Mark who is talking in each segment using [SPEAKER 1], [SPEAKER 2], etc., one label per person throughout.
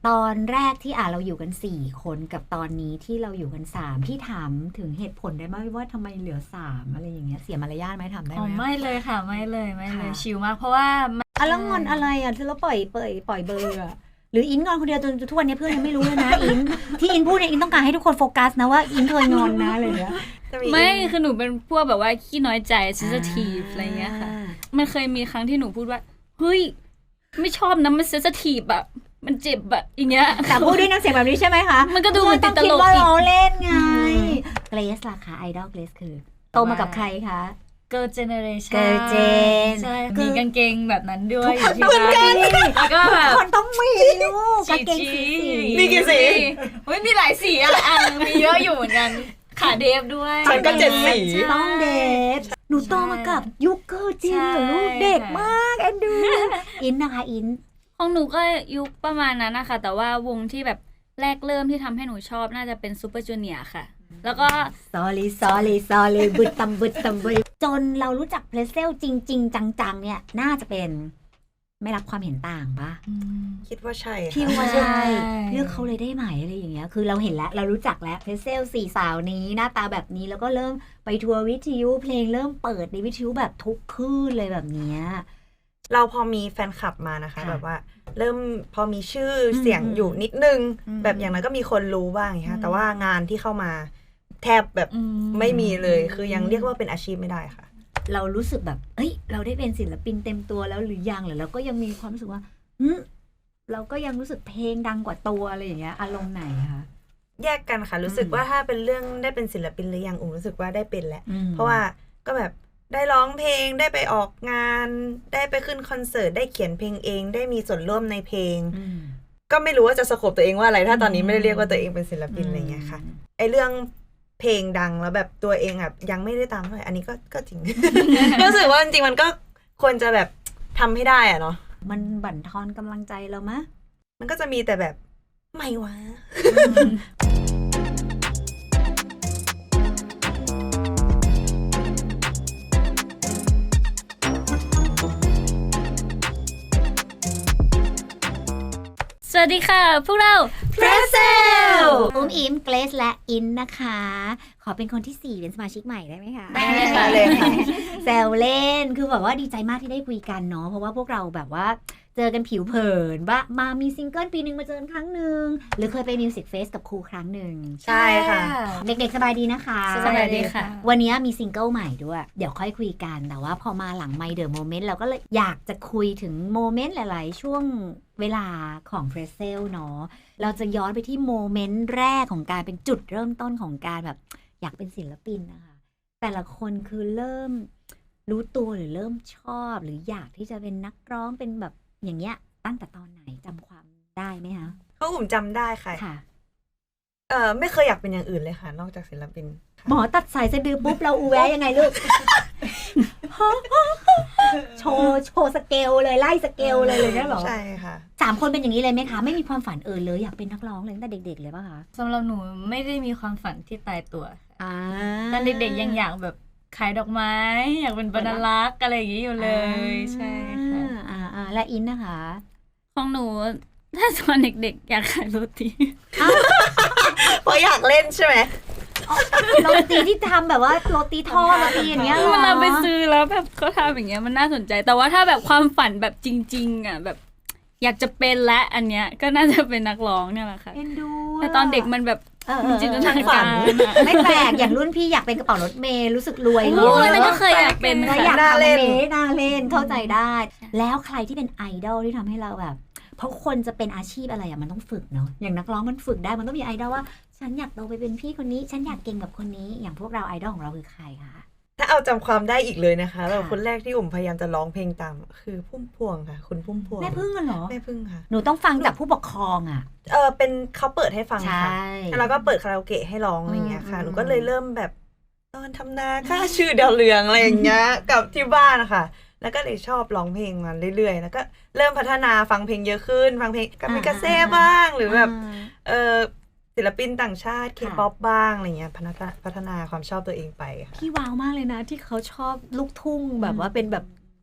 [SPEAKER 1] ตอนแรกที่เราอยู่กัน4คนกับตอนนี้ที่เราอยู่กัน3พี่ถามถึงเหตุผลได้ไหมว่าทำไมเหลือ3อะไรอย่างเงี้ยเสียมารยาทไหมถามได้ไหม
[SPEAKER 2] ไม่เลยค่ะไม่เลยชิลมากเพราะว่า
[SPEAKER 1] แล้วงอนอะไรที่เราปล่อยเบอร์หรืออินงอนคนเดียวจนทุกวันนี้เพื่อนยังไม่รู้เลยนะอินที่อินพูดเนี่ยอินต้องการให้ทุกคนโฟกัสนะว่าอินเคยงอนนะอะไรเงี้ย
[SPEAKER 2] ไม่คือหนูเป็นพวกแบบว่าขี้น้อยใจ sensitive อะไรเงี้ยค่ะมันเคยมีครั้งที่หนูพูดว่าเฮ้ยไม่ชอบนะมัน sensitive แบบมันเจ็บแบบอย่างเงี้ย
[SPEAKER 1] แต่พูดด้วยน้ำเสียงแบบนี้ใช่ไหมคะ
[SPEAKER 2] มันก็ดูเหมือนติดตลก
[SPEAKER 1] ว่าเราเล่นไงเกรซล่ะคะไอดอลเกรซคือโตมากับใครคะ
[SPEAKER 2] Girl Generation
[SPEAKER 1] Girl Gen
[SPEAKER 2] ใช่มีกางเกงแบบนั้นด้วย
[SPEAKER 1] เหมือนกัน
[SPEAKER 2] แล้วก็แบบ
[SPEAKER 1] คนต้องมีลูกกางเกงสี
[SPEAKER 3] มีกี่สี
[SPEAKER 2] มีหลายสีมีเยอะอยู่เหมือนกันขาเดฟด้วย
[SPEAKER 3] ฉันก็7 สี
[SPEAKER 1] ต้องเดฟหนูโตมากับยุคเกิร์ลเจนเหรอลูกเด็กมากแอนดูอินนะคะอิน
[SPEAKER 2] ของหนูก็ยุคประมาณนั้นนะคะแต่ว่าวงที่แบบแรกเริ่มที่ทำให้หนูชอบน่าจะเป็นซูเปอร์จูเนียร์ค่ะแล้วก็
[SPEAKER 1] sorry บึดตำจนเรารู้จักเพลเซลจริงๆจังๆเนี่ยน่าจะเป็นไม่รับความเห็นต่างปะ
[SPEAKER 3] คิดว่าใช่
[SPEAKER 1] คิดว่าใช่เลือกเขาเลยได้ไหมอะไรอย่างเงี้ยคือเราเห็นแล้วเรารู้จักแล้วเพลเซล4 สาวนี้หน้าตาแบบนี้แล้วก็เริ่มไปทัวร์วิทยุเพลงเริ่มเปิดในวิทยุแบบทุกคืนเลยแบบเนี้ย
[SPEAKER 3] เราพอมีแฟนคลับมานะคะแบบว่าเริ่มพอมีชื่อเสียงอยู่นิดนึงแบบอย่างนั้นก็มีคนรู้บ้างค่ะแต่ว่างานที่เข้ามาแทบแบบไม่มีเลยคือยังเรียกว่าเป็นอาชีพไม่ได้ค่ะ
[SPEAKER 1] เรารู้สึกแบบเอ้ยเราได้เป็นศิลปินเต็มตัวแล้วหรือยังหรือเราก็ยังมีความรู้สึกว่าเราก็ยังรู้สึกเพลงดังกว่าตัวอะไรอย่างเงี้ยอารมณ์ไหนคะ
[SPEAKER 3] แยกกันค่ะรู้สึกว่าถ้าเป็นเรื่องได้เป็นศิลปินหรือยังรู้สึกว่าได้เป็นแล้วเพราะว่าก็แบบได้ร้องเพลงได้ไปออกงานได้ไปขึ้นคอนเสิร์ตได้เขียนเพลงเองได้มีส่วนร่วมในเพลงก็ไม่รู้ว่าจะสโคปตัวเองว่าอะไรถ้าตอนนี้ไม่ได้เรียกว่าตัวเองเป็นศิลปินอะไรเงี้ยค่ะไอเรื่องเพลงดังแล้วแบบตัวเองแบบยังไม่ได้ตามเท่าไหร่อันนี้ก็จริง รู้สึกว่าจริงๆมันก็ควรจะแบบทำให้ได้อะเนาะ
[SPEAKER 1] มันบั่นทอนกำลังใจเรามะ
[SPEAKER 3] มันก็จะมีแต่แบบไม่วะ
[SPEAKER 2] สวัสดีค่ะพวกเรา
[SPEAKER 1] Pretzel อุ้มอิมเกรซและอินนะคะขอเป็นคนที่4เป็นสมาชิกใหม่ได้ไหมคะ
[SPEAKER 3] ได้เลยค่ะ
[SPEAKER 1] แซวเล่นคือแบบว่าดีใจมากที่ได้คุยกันเนาะเพราะว่าพวกเราแบบว่าเจอกันผิวเผินว่ามามีซิงเกิลปีนึงมาเจอกันครั้งนึงหรือเคยไปมิวสิกเฟสกับครูครั้งนึง
[SPEAKER 3] ใช่ค่ะ
[SPEAKER 1] เด็กๆสบายดีนะคะ
[SPEAKER 2] สบายดีค่ะ
[SPEAKER 1] วันนี้มีซิงเกิลใหม่ด้วยเดี๋ยวค่อยคุยกันแต่ว่าพอมาหลังไมค์เดอะโมเมนต์เราก็เลยอยากจะคุยถึงโมเมนต์หลายๆช่วงเวลาของเพรสเซลเนาะเราจะย้อนไปที่โมเมนต์แรกของการเป็นจุดเริ่มต้นของการแบบอยากเป็นศิลปินนะคะแต่ละคนคือเริ่มรู้ตัวหรือเริ่มชอบหรืออยากที่จะเป็นนักร้องเป็นแบบอย่างเงี้ยตั้งแต่ตอนไหนจำความได้ไหมคะ
[SPEAKER 3] เขาผมจำได้ค่ะไม่เคยอยากเป็นอย่างอื่นเลยค่ะนอกจากศิลปิน
[SPEAKER 1] หมอตัดสายสะดือปุ๊บเราอูแวะยังไงลูก โชว์สเกลเลยไล่สเกลเลยเนี่ยหรอ
[SPEAKER 3] ใช่ค่ะ
[SPEAKER 1] 3 คนเป็นอย่างนี้เลยไหมคะไม่มีความฝันเลยอยากเป็นนักร้องเลยตั้งแต่เด็กๆเลยป่ะคะ
[SPEAKER 2] สำหรับหนูไม่ได้มีความฝันที่ตายตัวตอนเด็กๆยังอยากแบบขายดอกไม้อยากเป็นบรรลักษ์อะไรอย่างนี้อยู่เลยใช่ค่ะ
[SPEAKER 1] และอินนะคะ
[SPEAKER 2] ของหนูถ้าตอนเด็กๆอยากขายโรตี
[SPEAKER 3] เพราะอยากเล่นใช่ไหม
[SPEAKER 1] โรตีที่ทำแบบว่าโรตีทอดโรตีอย่างเงี้ย
[SPEAKER 2] เวลาไปซื้อแล้วแบบเขาทำอย่างเงี้ยมันน่าสนใจแต่ว่าถ้าแบบความฝันแบบจริงๆอ่ะแบบอยากจะเป็นและอันเนี้ยก็น่าจะเป็นนักร้องเนี่ยแหละค่ะแต่ตอนเด็กมันแบบจินตนาการ
[SPEAKER 1] ไม่แปลกอย่างรุ่นพี่อยากเป็นกระเป๋ารถเมล์รู้สึกรวย
[SPEAKER 2] เลยนั่นก็เคยอยากเป็น
[SPEAKER 1] อยากทำเมล์น่าเล่นเข้าใจได้แล้วใครที่เป็นไอดอลที่ทำให้เราแบบเพราะคนจะเป็นอาชีพอะไรอ่ะมันต้องฝึกเนาะอย่างนักร้องมันฝึกได้มันต้องมีไอดอลว่าฉันอยากโตไปเป็นพี่คนนี้ฉันอยากเก่งแบบคนนี้อย่างพวกเราไอดอลของเราคือใครคะ
[SPEAKER 3] ถ้าเอาจำความได้อีกเลยนะคะแล้วคนแรกที่พยายามจะร้องเพลงตามคือพุ่มพวงค่ะคุณพุ่มพวง
[SPEAKER 1] แม่พึ่งเหรอ
[SPEAKER 3] แม่พึ่งค่ะ
[SPEAKER 1] หนูต้องฟังจากผู้ปกครองอ่ะ
[SPEAKER 3] เป็นเขาเปิดให้ฟังค่ะแล้วก็เปิดคาราโอเกะให้ร้องอะไรเงี้ยค่ะหนูก็เลยเริ่มแบบตอนทำนาค่าชื่อดาวเรืองอะไรอย่างเงี้ยกับที่บ้านนะคะแล้วก็เลยชอบร้องเพลงมาเรื่อยๆแล้วก็เริ่มพัฒนาฟังเพลงเยอะขึ้นฟังเพลงกามิกาเซ่บ้างหรือแบบศิลปินต่างชาติเคป๊อปบ้างอะไรเงี้ยพัฒนาความชอบตัวเองไปค่ะ
[SPEAKER 1] พี่ว้าวมากเลยนะที่เขาชอบลูกทุ่งแบบว่าเป็นแบบ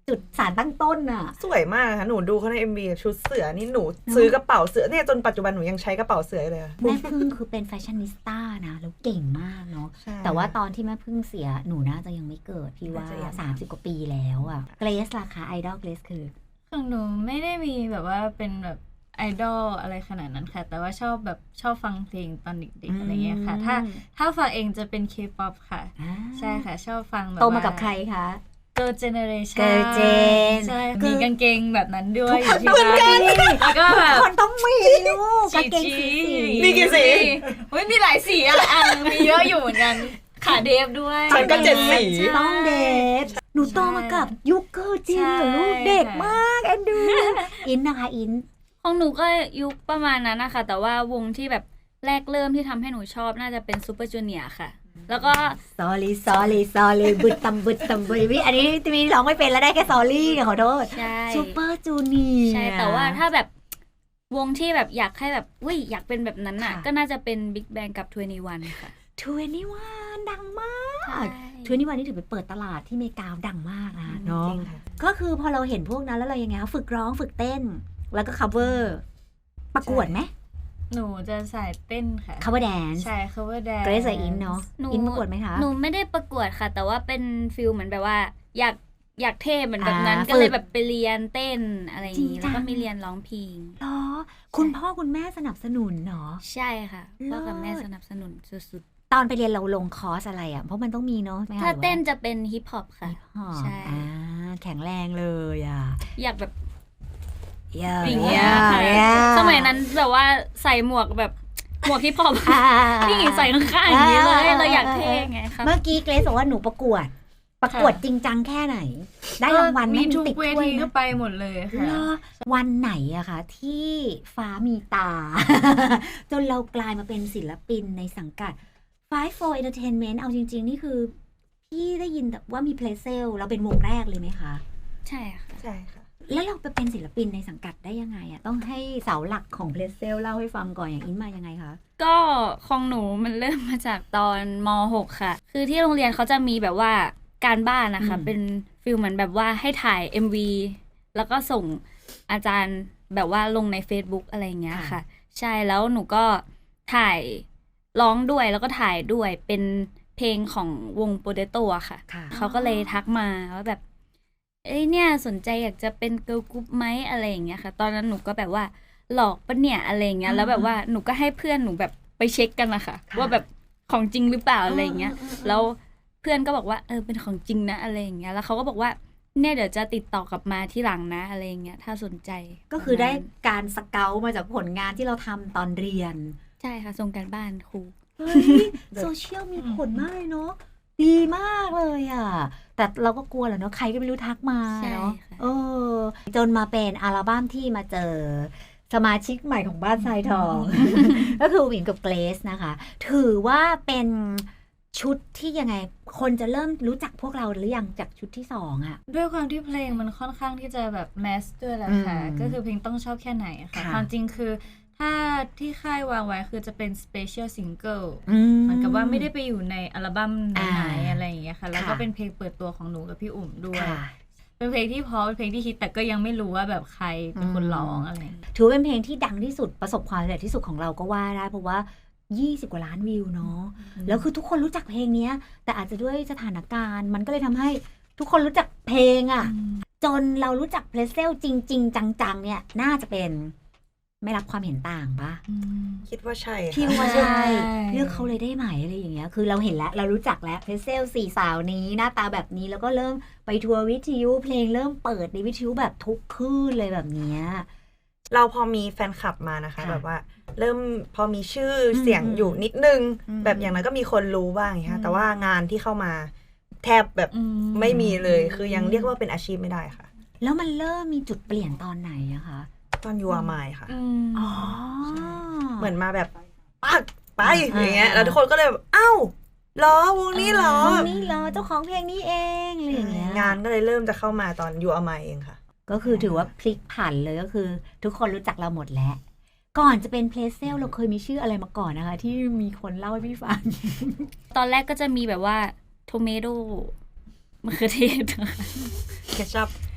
[SPEAKER 1] จุดสารตั้งต้นอ่ะ
[SPEAKER 3] สวยมากค่ะหนูดูเขาใน MV ชุดเสือนี่หนูซื้อกระเป๋าเสือเนี่ยจนปัจจุบันหนูยังใช้กระเป๋าเสือเลย
[SPEAKER 1] แม่พึ่งคือเป็นแฟชั่นนิสต้านะแล้วเก่งมากเนาะแต่ว่าตอนที่แม่พึ่งเสียหนูน่าจะยังไม่เกิดพี่ว่า30 กว่าปีแล้วอ่ะเกรซราคาไอดอลเกรซคือ
[SPEAKER 2] ของหนูไม่ได้มีแบบว่าเป็นแบบไอดอลอะไรขนาดนั้นค่ะแต่ว่าชอบฟังเพลงตอนเด็กๆอะไรเงี้ยค่ะถ้าฟังเองจะเป็น K-pop ค่ะใช่ค่ะชอบฟังแบบ
[SPEAKER 1] โตมากับใครคะ
[SPEAKER 2] Girl Generation
[SPEAKER 1] Girl Gen
[SPEAKER 2] ใช่มีกางเกงแบบนั้นด้วยอยู่ที่
[SPEAKER 1] เหมือนกัน
[SPEAKER 2] แล้วก็แบบ
[SPEAKER 1] คนต้องมีลูกกางเกงสี
[SPEAKER 3] มีกี่สี
[SPEAKER 2] มีหลายสีอ่ะมีเยอะอยู่เหมือนกันขาเดฟด้วย
[SPEAKER 3] ฉันก็7 สี
[SPEAKER 1] ต้องเดฟหนูโตมากับยุคเกิร์ลเจนเหรอลูกเด็กมากแอนดูอินนะคะอิน
[SPEAKER 2] ของหนูก็ยุคประมาณนั้นนะคะแต่ว่าวงที่แบบแรกเริ่มที่ทำให้หนูชอบน่าจะเป็นซูเปอร์จูเนียร์ค่ะแล้วก็
[SPEAKER 1] sorry บึดตำวิอันนี้จะมีร้องไม่เป็นแล้วได้แค่ sorry ขอโทษ
[SPEAKER 2] ใช่
[SPEAKER 1] ซูเปอร์จูเนียร์
[SPEAKER 2] ใช่แต่ว่าถ้าแบบวงที่แบบอยากให้แบบอยากเป็นแบบนั้นน่ะก็น่าจะเป็น Big Bang กับ21ค่ะ
[SPEAKER 1] 21ดังมาก21นี่ถือเป็นเปิดตลาดที่อเมริกาดังมากนะเนาะก็คือพอเราเห็นพวกนั้นแล้วเรายังไงฝึกร้องฝึกเต้นแล้วก็ cover ประกวดไหม
[SPEAKER 2] หนูจะสายเต้นค่ะ
[SPEAKER 1] cover dance
[SPEAKER 2] ใช่ cover dance
[SPEAKER 1] เกรซอินเนาะอินประกวดไหมคะ
[SPEAKER 2] หนูไม่ได้ประกวดค่ะแต่ว่าเป็นฟิลเหมือนแบบว่าอยากเท่เหมือนแบบนั้นก็เลยแบบไปเรียนเต้นอะไรอย่างนี้แล้วก็มีเรียนร้องเพลง
[SPEAKER 1] เหรอคุณพ่อคุณแม่สนับสนุนเนาะ
[SPEAKER 2] ใช่ค่ะพ่อกับแม่สนับสนุนสุด
[SPEAKER 1] ๆตอนไปเรียนเราลงคอร์สอะไรอ่ะเพราะมันต้องมีเนาะ
[SPEAKER 2] ถ้าเต้นจะเป็นฮิปฮอปค่ะ
[SPEAKER 1] ใช่แข็งแรงเลยอ่ะ
[SPEAKER 2] อยากแบบ
[SPEAKER 1] อย่างเงี้ย
[SPEAKER 2] สมัยนั้นแบบว่าใส่หมวกแบบหมวกฮิปฮอปนี่ใส่ข้างๆอย่างนี้เลยเราอยากเท่ไงคะ
[SPEAKER 1] เมื่อกี้เกรซบอกว่าหนูประกวดจริงจังแค่ไหนได้รางวัล
[SPEAKER 2] มีทุกเวทีก็ไปหมดเลยค่ะ
[SPEAKER 1] วันไหนอะคะที่ฟ้ามีตา จนเรากลายมาเป็นศิลปินในสังกัด 54 Entertainment เอาจริงๆนี่คือพี่ได้ยินแต่ว่ามีเพลเซลเราเป็นวงแรกเลยไหมคะ
[SPEAKER 2] ใช่ค่ะ
[SPEAKER 1] แล้วเราไปเป็นศิลปินในสังกัดได้ยังไงอะต้องให้เสาหลักของเพลเซลเล่าให้ฟังก่อนอย่างอินมายังไงคะ
[SPEAKER 2] ก็ของหนูมันเริ่มมาจากตอนม.6 ค่ะคือที่โรงเรียนเขาจะมีแบบว่าการบ้านนะคะเป็นฟิลเหมือนแบบว่าให้ถ่าย MV แล้วก็ส่งอาจารย์แบบว่าลงใน Facebook อะไรอย่างเงี้ยค่ะใช่แล้วหนูก็ถ่ายร้องด้วยแล้วก็ถ่ายด้วยเป็นเพลงของวง Potato อะค่ะเขาก็เลยทักมาว่าแบบเนี่ยสนใจอยากจะเป็นเกิร์ลกรุ๊ปไหมอะไรอย่างเงี้ยค่ะตอนนั้นหนูก็แบบว่าหลอกปะเนี่ยอะไรอย่างเงี้ยแล้วแบบว่าหนูก็ให้เพื่อนหนูแบบไปเช็คกันนะคะว่าแบบของจริงหรือเปล่าอะไรอย่างเงี้ยแล้วเพื่อนก็บอกว่าเป็นของจริงนะอะไรอย่างเงี้ยแล้วเขาก็บอกว่าเนี่ยเดี๋ยวจะติดต่อกลับมาที่หลังนะอะไรอย่างเงี้ยถ้าสนใจ
[SPEAKER 1] ก็คือได้การสเกาต์มาจากผลงานที่เราทำตอนเรียน
[SPEAKER 2] ใช่ค่ะส่งการบ้านครู
[SPEAKER 1] โซเชียลมีผลมากเลยเนาะดีมากเลยอ่ะแต่เราก็กลัวแหละเนาะใครก็ไม่รู้ทักมาเนาะจนมาเป็นอัลบั้มที่มาเจอสมาชิกใหม่ของบ้านทรายทอง ก็คือวินกับเกรซนะคะถือว่าเป็นชุดที่ยังไงคนจะเริ่มรู้จักพวกเราหรือยังจากชุดที่2อ่ะ
[SPEAKER 2] ด้วยความที่เพลงมันค่อนข้างที่จะแบบแมสด้วยแหละค่ะก็คือเพลงต้องชอบแค่ไหนค่ะความจริงคือถ้าที่ค่ายวางไว้คือจะเป็นสเปเชียลซิงเกิลเหมือนกับว่าไม่ได้ไปอยู่ในอัลบั้มไหนอะไรอย่างเงี้ยค่ะแล้วก็เป็นเพลงเปิดตัวของหนูกับพี่อุ๋มด้วยเป็นเพลงที่เพราะเป็นเพลงที่ฮิตแต่ก็ยังไม่รู้ว่าแบบใครเป็นคนร้องอะไร
[SPEAKER 1] ถือเป็นเพลงที่ดังที่สุดประสบความสำเร็จที่สุดของเราก็ว่าได้เพราะว่า20 กว่าล้านวิวเนาะแล้วคือทุกคนรู้จักเพลงนี้แต่อาจจะด้วยสถานการณ์มันก็เลยทำให้ทุกคนรู้จักเพลงอ่ะจนเรารู้จักเพลเซลจริงๆจังๆเนี่ยน่าจะเป็นไม่รับความเห็นต่างปะ
[SPEAKER 3] คิดว่าใช่
[SPEAKER 1] พี่ว่าใช่เลือกเขาเลยได้ไหมอะไรอย่างเงี้ยคือเราเห็นแล้วเรารู้จักแล้วเพลเซล4 สาวนี้หน้าตาแบบนี้แล้วก็เริ่มไปทัวร์วิทยุเพลงเริ่มเปิดในวิทยุแบบทุกคลื่นเลยแบบเนี้ย
[SPEAKER 3] เราพอมีแฟนคลับมานะคะแบบว่าเริ่มพอมีชื่อเสียงอยู่นิดนึงแบบอย่างนั้นก็มีคนรู้บ้างค่ะแต่ว่างานที่เข้ามาแทบแบบไม่มีเลยคือยังเรียกว่าเป็นอาชีพไม่ได้ค่ะ
[SPEAKER 1] แล้วมันเริ่มมีจุดเปลี่ยนตอนไหนอะคะ
[SPEAKER 3] ตอนยูอาร์มายค่ะเหมือนมาแบบปักไปอย่างเงี้ยแล้วทุกคนก็เลยแบบเอ้าล้อวงนี้ล้อ
[SPEAKER 1] เจ้าของเพลงนี้เองอะไรอย่างเงี้ย
[SPEAKER 3] งานก็เลยเริ่มจะเข้ามาตอนยูอาร์มายเองค่ะ
[SPEAKER 1] ก็คือถือว่าพลิกผันเลยก็คือทุกคนรู้จักเราหมดแล้วก่อนจะเป็นเพลเซลเราเคยมีชื่ออะไรมาก่อนนะคะที่มีคนเล่าให้พี่ฟัง
[SPEAKER 2] ตอนแรกก็จะมีแบบว่าโทเมโดมะเขือเทศ
[SPEAKER 3] เคชัพ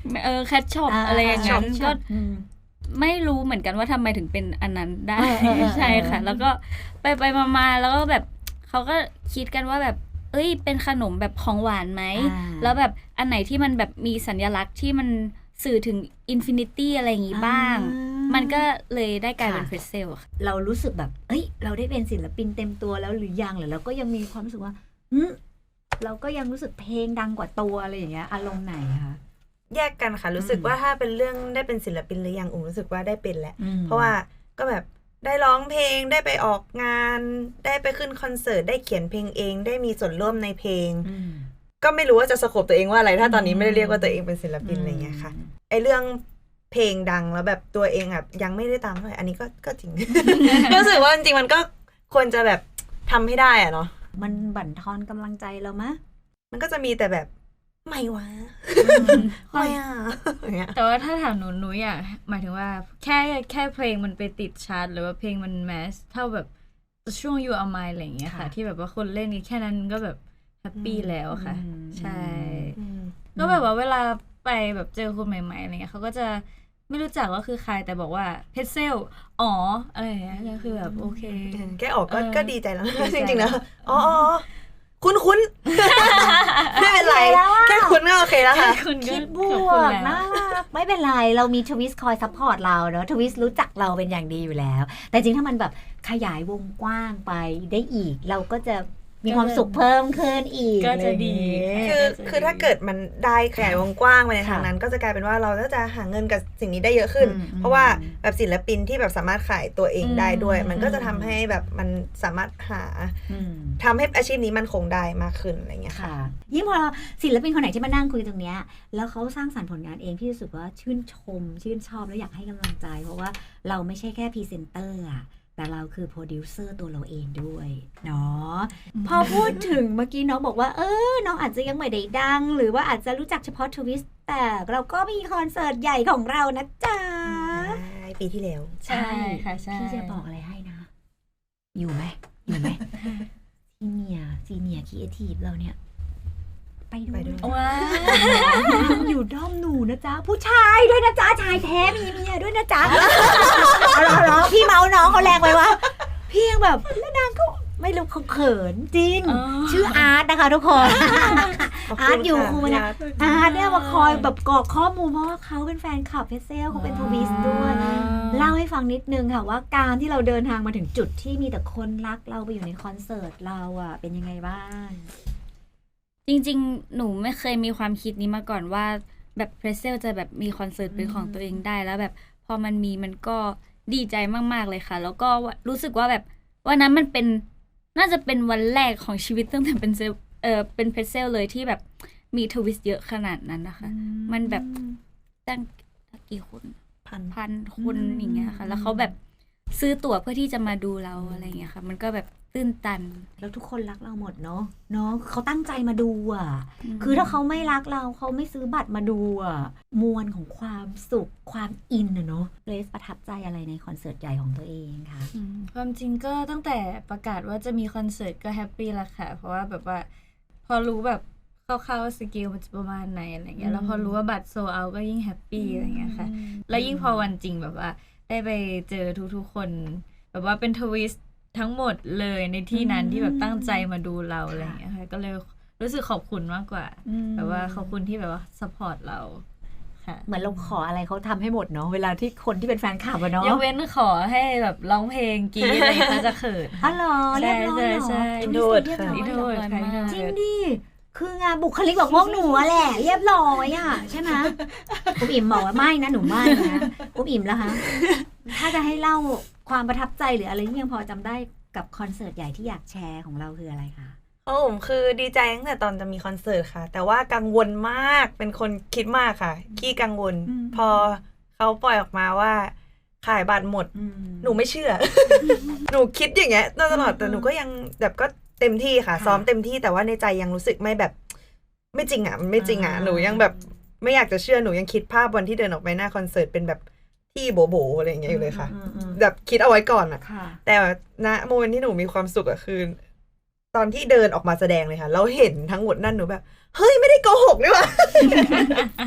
[SPEAKER 2] แคทช็อปอะไรอย่างนั้นก็ไม่รู้เหมือนกันว่าทำไมถึงเป็นอันนั้นได้ใช่ค่ะแล้วก็ไปมาแล้วก็แบบเขาก็คิดกันว่าแบบเป็นขนมแบบของหวานไหมแล้วแบบอันไหนที่มันแบบมีสัญลักษณ์ที่มันสื่อถึงอินฟินิตี้อะไรอย่างงี้บ้างมันก็เลยได้กลายเป็นเพรสเซลค่ะ
[SPEAKER 1] เรารู้สึกแบบเราได้เป็นศิลปินเต็มตัวแล้วหรือยังหรือเราก็ยังมีความรู้สึกว่าเราก็ยังรู้สึกเพลงดังกว่าตัวอะไรอย่างเงี้ยอารมณ์ไหนคะ
[SPEAKER 3] แยกกันค่ะรู้สึกว่าถ้าเป็นเรื่องได้เป็นศิลปินหรือยังรู้สึกว่าได้เป็นแหละเพราะว่าก็แบบได้ร้องเพลงได้ไปออกงานได้ไปขึ้นคอนเสิร์ตได้เขียนเพลงเองได้มีส่วนร่วมในเพลงก็ไม่รู้ว่าจะสโคปตัวเองว่าอะไรถ้าตอนนี้ไม่ได้เรียกว่าตัวเองเป็นศิลปินอะไรเงี้ยค่ะไอเรื่องเพลงดังแล้วแบบตัวเองแบบยังไม่ได้ตามเท่าไหร่อันนี้ก็จริง รู้สึกว่าจริงๆมันก็ควรจะแบบทำให้ได้อะเนาะ
[SPEAKER 1] มันบั่นทอนกำลังใจเรามะ
[SPEAKER 3] มันก็จะมีแต่แบบไม่วะไม่อ่ะ
[SPEAKER 2] แต่ว่าถ้าถามหนูอยากหมายถึงว่าแค่เพลงมันไปติดชาร์ตหรือว่าเพลงมันแมสเท่าแบบช่วง You Are Mine อะไรอย่างเงี้ยค่ะที่แบบว่าคนเล่นแค่นั้นก็แบบแฮปปี้แล้วค่ะใช่ก็แบบว่าเวลาไปแบบเจอคนใหม่ๆอะไรเงี้ยเขาก็จะไม่รู้จักว่าคือใครแต่บอกว่าเพชรเซลอะไรอย่างเงี้ยก็คือแบบโอเค
[SPEAKER 3] แกออกก็ดีใจแล้วจริงๆนะคุ้นไม่เป็นไรแค่คุ้นก็โอเคแล้วค่ะ
[SPEAKER 1] คิดบวกน่ารักไม่เป็นไรเรามีทวิสคอยซัพพอร์ตเราเนาะทวิสรู้จักเราเป็นอย่างดีอยู่แล้วแต่จริงถ้ามันแบบขยายวงกว้างไปได้อีกเราก็จะมีความสุขเพิ่มขึ้นอีก
[SPEAKER 2] ก็จะดี
[SPEAKER 3] คือถ้าเกิดมันได้ขยายวงกว้างไปในทางนั้นก็จะกลายเป็นว่าเราก็จะหาเงินกับสิ่งนี้ได้เยอะขึ้นเพราะว่าแบบศิลปินที่แบบสามารถขายตัวเองได้ด้วยมันก็จะทำให้แบบมันสามารถทำให้อาชีพนี้มันคงได้มากขึ้นอะไรเงี้ยค่ะ
[SPEAKER 1] ยิ่งพอศิลปินคนไหนที่มานั่งคุยตรงเนี้ยแล้วเขาสร้างสรรค์ผลงานเองพี่รู้สึกว่าชื่นชมชื่นชอบแล้วอยากให้กำลังใจเพราะว่าเราไม่ใช่แค่พรีเซนเตอร์แต่เราคือโปรดิวเซอร์ตัวเราเองด้วยเนาะพอพูดถึงเมื่อกี้น้องบอกว่าน้องอาจจะยังไม่ได้ดังหรือว่าอาจจะรู้จักเฉพาะทวิสแต่เราก็มีคอนเสิร์ตใหญ่ของเรานะจ๊ะ
[SPEAKER 3] ปีที่แล้ว
[SPEAKER 2] ใช่ค่ะใช่
[SPEAKER 1] พี่จะบอกอะไรให้นะอยู่ไหมซีเนียครีเอทีฟเราเนี่ยไปด้วย
[SPEAKER 2] ว้า
[SPEAKER 1] อยู่ด้อมหนูนะจ๊ะผู้ชายด้วยนะจ๊ะชายแท้มีเมียด้วยนะจ๊ะเหรอพี่เมาน้องเขาแรงไปวะพี่ยังแบบแล้วนางก็ไม่รู้เขาเขินจริงชื่ออาร์ตนะคะทุกคนอาร์ตอยู่คูนะอาร์ตเนี่ยมาคอยแบบกรอกข้อมูลเพราะว่าเขาเป็นแฟนคลับเพชรเซลเขาเป็นทวิสด้วยเล่าให้ฟังนิดนึงค่ะว่าการที่เราเดินทางมาถึงจุดที่มีแต่คนรักเราไปอยู่ในคอนเสิร์ตเราอ่ะเป็นยังไงบ้าง
[SPEAKER 2] จริงๆหนูไม่เคยมีความคิดนี้มาก่อนว่าแบบเพรสเซลจะแบบมีคอนเสิร์ตเป็นของตัวเองได้แล้วแบบพอมันก็ดีใจมากๆเลยค่ะแล้วก็รู้สึกว่าแบบวันนั้นมันเป็นน่าจะเป็นวันแรกของชีวิตตั้งแต่เป็นเพรสเซลเลยที่แบบมีทวิสเยอะขนาดนั้นนะคะมันแบบตั้งกี่คนพันคนอย่างเงี้ยค่ะแล้วเขาแบบซื้อตั๋วเพื่อที่จะมาดูเราอะไรเงี้ยค่ะมันก็แบบตื้นตัน
[SPEAKER 1] แล้วทุกคนรักเราหมดเนาะเขาตั้งใจมาดูอ่ะคือถ้าเขาไม่รักเราเขาไม่ซื้อบัตรมาดูอ่ะมวลของความสุขความอินเนาะเกรซประทับใจอะไรในคอนเสิร์ตใหญ่ของตัวเองคะ
[SPEAKER 2] ความจริงก็ตั้งแต่ประกาศว่าจะมีคอนเสิร์ตก็แฮปปี้ละค่ะเพราะว่าแบบว่าพอรู้แบบคร่าวๆสเกลมันจะประมาณไหนอะไรเงี้ยแล้วพอรู้ว่าบัตรโซลเอาท์ก็ยิ่งแฮปปี้อะไรเงี้ยค่ะแล้วยิ่งพอวันจริงแบบว่าได้ไปเจอทุกๆคนแบบว่าเป็นทวิสทั้งหมดเลยในที่นั้นที่แบบตั้งใจมาดูเราอะไรอย่างเงี้ยค่ะก็เลยรู้สึกขอบคุณมากกว่าแบบว่าขอบคุณที่แบบว่าซัพพอร์ตเราค่ะ
[SPEAKER 1] เหมือนเราขออะไรเขาทำให้หมดเนาะเวลาที่คนที่เป็นแฟนคลับอะเนาะ
[SPEAKER 2] ยกเว้นขอให้แบบร้องเพลงกีอะไรเขาจะเขิน
[SPEAKER 1] อ๋อเหรอเรียบร้อยเหรอ
[SPEAKER 3] อินโทรค่ะ
[SPEAKER 2] อินโทร
[SPEAKER 1] จริงดิคืองานบุคลิกแบบพวกหนูแหละเรียบร้อยอะใช่ไหมคุณอิ่มบอกว่าไม่นะหนูไม่นะคุณอิ่มแล้วคะถ้าจะให้เล่าความประทับใจหรืออะไรที่ยังพอจำได้กับคอนเสิร์ตใหญ่ที่อยากแชร์ของเราคืออะไรคะ
[SPEAKER 3] ผมคือดีใจตั้งแต่ตอนจะมีคอนเสิร์ตค่ะแต่ว่ากังวลมากเป็นคนคิดมากค่ะขี้กังวลพอเขาปล่อยออกมาว่าขายบัตรหมดหนูไม่เชื่อ หนูคิดอย่างเงี้ยตลอดแต่หนูก็ยังแบบก็เต็มที่ค่ะซ้อมเต็มที่แต่ว่าในใจยังรู้สึกไม่แบบไม่จริงอ่ะมันไม่จริงอ่ะหนูยังแบบไม่อยากจะเชื่อหนูยังคิดภาพวันที่เดินออกไปหน้าคอนเสิร์ตเป็นแบบที่โบอะไรอย่างเงี้ยอยู่เลยค่ะแบบคิดเอาไว้ก่อนอ่ะแต่ณโมเมนต์ที่หนูมีความสุขอะคือตอนที่เดินออกมาแสดงเลยค่ะเราเห็นทั้งหมดนั่นหนูแบบเฮ้ยไม่ได้โกหกนี่หว่า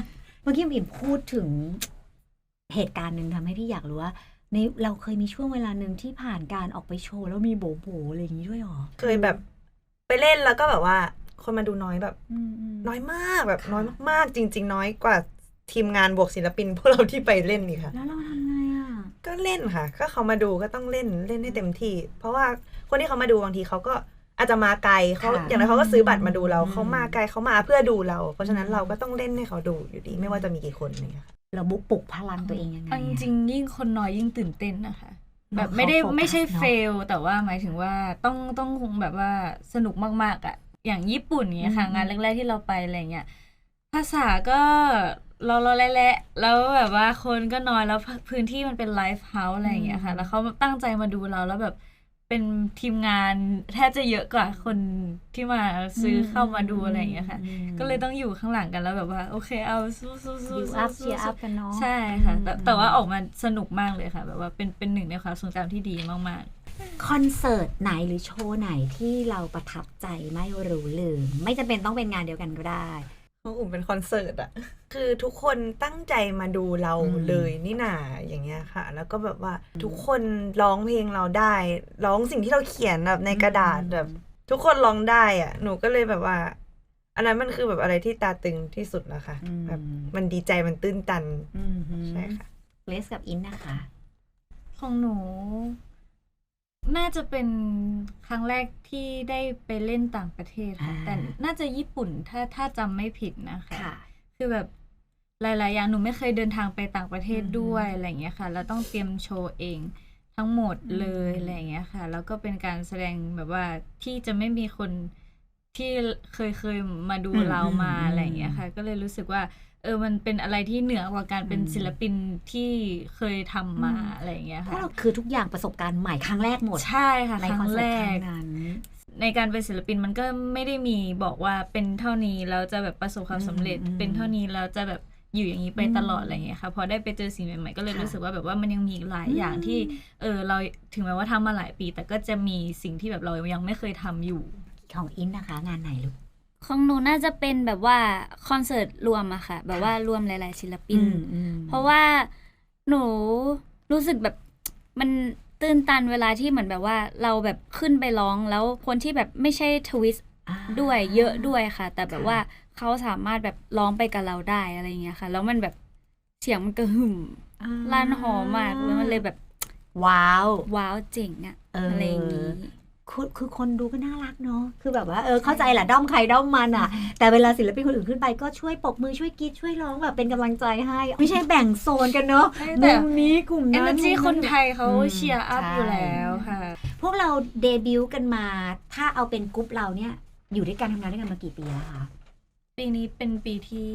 [SPEAKER 1] มื่อกี้บิ่มพูดถึงเหตุการณ์หนึ่งทำให้พี่อยากรู้ว่าในเราเคยมีช่วงเวลาหนึ่งที่ผ่านการออกไปโชว์แล้วมีโบโบอะไรอย่างนี้ด้วยหรอ
[SPEAKER 3] เคยแบบไปเล่นแล้วก็แบบว่าคนมาดูน้อยแบบน้อยมากแบบน้อยมากๆจริงๆน้อยกว่าทีมงานบวกศิลปินพวกเราที่ไปเล่นนี่ค่ะ
[SPEAKER 1] แล้วเราทำไงอ่ะ
[SPEAKER 3] ก็เล่นค่ะก็เขามาดูก็ต้องเล่นให้เต็มที่เพราะว่าคนที่เขามาดูบางทีเขาก็อาจจะมาไกลเขาอย่างไรเขาก็ซื้อบัตรมาดูเราเขามาไกลเขามาเพื่อดูเราเพราะฉะนั้นเราก็ต้องเล่นให้เขาดูอยู่ดีไม่ว่าจะมีกี่คนเนี่ย
[SPEAKER 1] เราบุกปลุกพลังตัวเองยังไง
[SPEAKER 2] จริงยิ่งคนน้อยยิ่งตื่นเต้นนะคะแบบไม่ใช่เฟลแต่ว่าหมายถึงว่าต้องคงแบบว่าสนุกมากๆอ่ะอย่างญี่ปุ่นเนี้ยค่ะงานแรกๆที่เราไปอะไรเงี้ยภาษาก็เราแหละแล้วแบบว่าคนก็น้อยแล้วพื้นที่มันเป็นไลฟ์เฮาส์อะไรอย่างเงี้ยค่ะแล้วเขาตั้งใจมาดูเราแล้วแบบเป็นทีมงานแทบจะเยอะกว่าคนที่มาซื้อเข้ามาดูอะไรอย่างเงี้ยค่ะก็เลยต้องอยู่ข้างหลังกันแล้วแบบว่าโอเคเอาสู้
[SPEAKER 1] เชียร์อัพกันเนาะ
[SPEAKER 2] ใช่ค่ะแต่ว่าออกมาสนุกมากเลยค่ะแบบว่าเป็นหนึ่งในความทรงจำที่ดีมาก
[SPEAKER 1] ๆคอนเสิร์ตไหนหรือโชว์ไหนที่เราประทับใจไม่รู้ลืมไม่จำเป็นต้องเป็นงานเดียวกันก็ได้
[SPEAKER 3] ของอุ่มเป็นคอนเสิร์ตอะคือทุกคนตั้งใจมาดูเราเลยนี่นาอย่างเงี้ยค่ะแล้วก็แบบว่าทุกคนร้องเพลงเราได้ร้องสิ่งที่เราเขียนแบบในกระดาษแบบทุกคนร้องได้อะหนูก็เลยแบบว่าอันนั้นมันคือแบบอะไรที่ตาตึงที่สุดแล้วค่ะแบบมันดีใจมันตื้นตันใช่ค่ะ
[SPEAKER 1] เลสกับอินนะคะ
[SPEAKER 2] ของหนูน่าจะเป็นครั้งแรกที่ได้ไปเล่นต่างประเทศค่ะแต่น่าจะญี่ปุ่นถ้าจำไม่ผิดนะคะคือแบบหลายๆอย่างหนูไม่เคยเดินทางไปต่างประเทศด้วยอะไรอย่างเงี้ยค่ะแล้วต้องเตรียมโชว์เองทั้งหมดเลยอะไรอย่างเงี้ยค่ะแล้วก็เป็นการแสดงแบบว่าที่จะไม่มีคนที่เคยมาดูเรามาอะไรอย่างเงี้ยค่ะก็เลยรู้สึกว่ามันเป็นอะไรที่เหนือกว่าการเป็นศิลปินที่เคยทำมาอะไรอย่างเงี้ยค่ะ
[SPEAKER 1] คือทุกอย่างประสบการณ์ใหม่ครั้งแรกหมด
[SPEAKER 2] ใช่ค่ะครั้งแรกในการเป็นศิลปินมันก็ไม่ได้มีบอกว่าเป็นเท่านี้แล้วจะแบบประสบความสำเร็จเป็นเท่านี้แล้วจะแบบอยู่อย่างนี้ไปตลอดอะไรอย่างเงี้ยค่ะพอได้ไปเจอสิ่งใหม่ๆก็เลยรู้สึกว่าแบบว่ามันยังมีหลายอย่างที่เราถึงแม้ว่าทำมาหลายปีแต่ก็จะมีสิ่งที่แบบเรายังไม่เคยทำอยู่
[SPEAKER 1] ของอินนะคะงานไหนลูก
[SPEAKER 2] ของหนูน่าจะเป็นแบบว่าคอนเสิร์ตรวมอะค่ะแบบว่ารวมหลายๆศิลปินเพราะว่าหนูรู้สึกแบบมันตื่นตันเวลาที่เหมือนแบบว่าเราแบบขึ้นไปร้องแล้วคนที่แบบไม่ใช่ทวิสต์ด้วยเยอะด้วยค่ะแต่แบบว่าเขาสามารถแบบร้องไปกับเราได้อะไรเงี้ยค่ะแล้วมันแบบเสียงมันกระหึ่มลั่นหอมมากแล้วมันเลยแบบ
[SPEAKER 1] ว้าว
[SPEAKER 2] เจ๋งอะอะไรอย่างงี้
[SPEAKER 1] คือคนดูก็น่ารักเนาะคือแบบว่าเข้าใจแหละด้อมใครด้อมมันอ่ะแต่เวลาศิลปินคนอื่นขึ้นไปก็ช่วยปรบมือช่วยกรี๊ดช่วยร้องแบบเป็นกำลังใจให้ไม่ใช่แบ่งโซนกันเนาะมุมนี้กลุ่มนั้น
[SPEAKER 2] energy คนไทยเขาเชียร์อัพอยู่แล้วค่ะ
[SPEAKER 1] พวกเราเดบิวต์กันมาถ้าเอาเป็นกรุ๊ปเราเนี่ยอยู่ด้วยกันทำงานด้วยกันมากี่ปีแล้วคะ
[SPEAKER 2] ปีนี้เป็นปีที่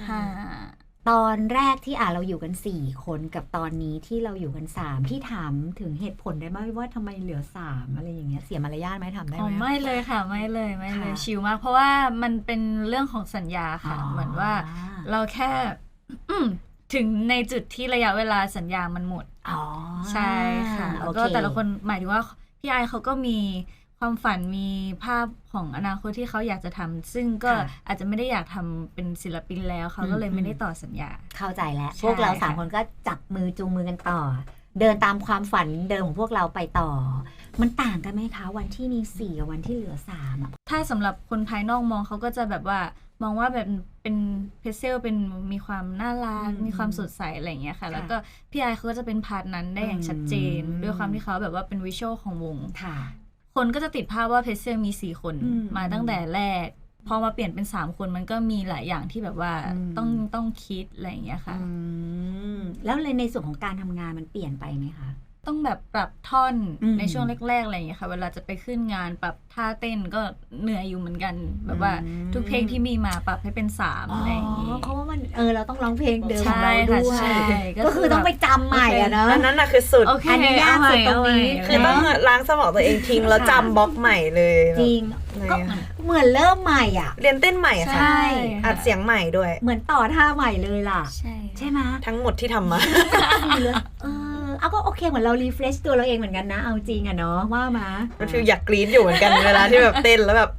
[SPEAKER 2] 5
[SPEAKER 1] ตอนแรกที่เราอยู่กัน4คนกับตอนนี้ที่เราอยู่กัน3พี่ถามถึงเหตุผลได้ไหมว่าทำไมเหลือ3อะไรอย่างเงี้ยเสียมารยาทไหมถามได้ไหม
[SPEAKER 2] ไม่เลยค่ะไม่เลยชิลมากเพราะว่ามันเป็นเรื่องของสัญญาค่ะเหมือนว่าเราแค่ถึงในจุดที่ระยะเวลาสัญญามันหมดใช่ค่ะแล้วก็แต่ละคนหมายถึงว่าพี่ไอเขาก็มีความฝันมีภาพของอนาคตที่เขาอยากจะทำซึ่งก็อาจจะไม่ได้อยากทำเป็นศิลปินแล้วเขาก็เลยไม่ได้ต่อสัญญา
[SPEAKER 1] เข้าใจแล้วพวกเรา3คนก็จับมือจูงมือกันต่อเดินตามความฝันเดิมของพวกเราไปต่อมันต่างกันไหมคะวันที่มี4กับวันที่เหลือ3อ่ะ
[SPEAKER 2] ถ้าสำหรับคนภายนอกมองเขาก็จะแบบว่ามองว่าแบบเป็นเพเซลเป็นมีความน่ารักมีความสดใสอะไรอย่างเงี้ยค่ะแล้วก็พี่ไอเขาก็จะเป็นพาร์ทนั้นได้อย่างชัดเจนด้วยความที่เขาแบบว่าเป็นวิชวลของวงคนก็จะติดภาพว่าเพเซลมี4คนมาตั้งแต่แรกพอมาเปลี่ยนเป็น3คนมันก็มีหลายอย่างที่แบบว่าต้องคิดอะไรอย่างเงี้ยค่ะ
[SPEAKER 1] แล้วในส่วนของการทำงานมันเปลี่ยนไปไหมคะ
[SPEAKER 2] ต้องแบบปรับท่อนในช่วงแรกๆอะไรอย่างเงี้ยค่ะเวลาจะไปขึ้นงานปรับท่าเต้นก็เหนื่อยอยู่เหมือนกันแบบว่าทุกเพลงที่มีมาปรับให้เป็น3อะไรอย่างงี้
[SPEAKER 1] เพราะว่ามันเราต้องร้องเพลงเดิมของเราด้วยก็คือต้องไปจำใหม่อะเนาะ
[SPEAKER 3] อันนั้นน่ะคือสุด
[SPEAKER 1] อันนี้ยากสุดตรงนี้
[SPEAKER 3] คือต้องล้างสมองตัวเองทิ้งแล้วจำบล็อกใหม่เลย
[SPEAKER 1] จริงก็เหมือนเริ่มใหม่อ่ะ
[SPEAKER 3] เรียนเต้นใหม่ค่ะอัดเสียงใหม่ด้วย
[SPEAKER 1] เหมือนต่อท่าใหม่เลยล่ะใช่ไหม
[SPEAKER 3] ทั้งหมดที่ทำมา
[SPEAKER 1] เอาก็โอเคเหมือนเรารีเฟรชตัวเราเองเหมือนกันนะเอาจริงอะเนาะว่ามา
[SPEAKER 3] มันฟีลอยากกรี๊ดอยู่เหมือนกันเวลาที่แบบเต้นแล้วแบบ